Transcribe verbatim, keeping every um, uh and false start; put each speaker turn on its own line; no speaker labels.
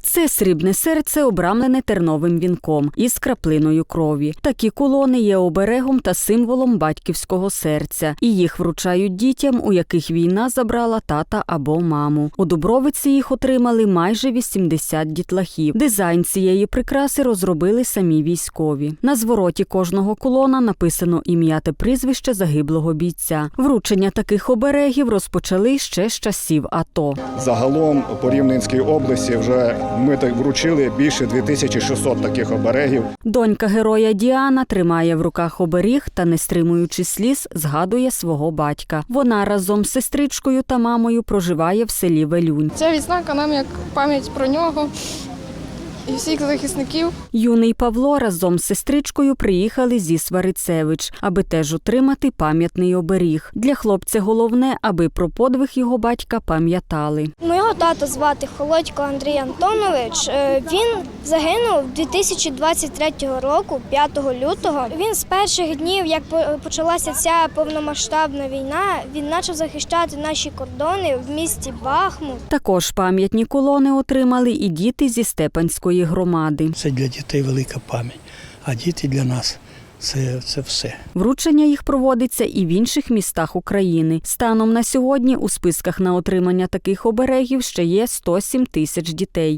Це срібне серце, обрамлене терновим вінком із краплиною крові. Такі кулони є оберегом та символом батьківського серця. І їх вручають дітям, у яких війна забрала тата або маму. У Дубровиці їх отримали майже вісімдесят дітлахів. Дизайн цієї прикраси розробили самі військові. На звороті кожного кулона написано ім'я та прізвище загиблого бійця. Вручення таких оберегів розпочали ще з часів АТО.
Загалом по Рівненській області вже ми так вручили більше дві тисячі шістсот таких оберегів.
Донька героя Діана тримає в руках оберіг та, не стримуючи сліз, згадує свого батька. Вона разом з сестричкою та мамою проживає в селі Велюнь.
Ця відзнака нам як пам'ять про нього і всіх захисників.
Юний Павло разом з сестричкою приїхали зі Сварицевич, аби теж отримати пам'ятний оберіг. Для хлопця головне, аби про подвиг його батька пам'ятали.
Мого тата звати Холодько Андрій Антонович. Він загинув дві тисячі двадцять третього року, п'ятого лютого. Він з перших днів, як почалася ця повномасштабна війна, він почав захищати наші кордони в місті Бахмут.
Також пам'ятні колони отримали і діти зі Степанської громади.
Це для дітей велика пам'ять, а діти для нас – це, це все.
Вручення їх проводиться і в інших містах України. Станом на сьогодні у списках на отримання таких оберегів ще є сто сім тисяч дітей.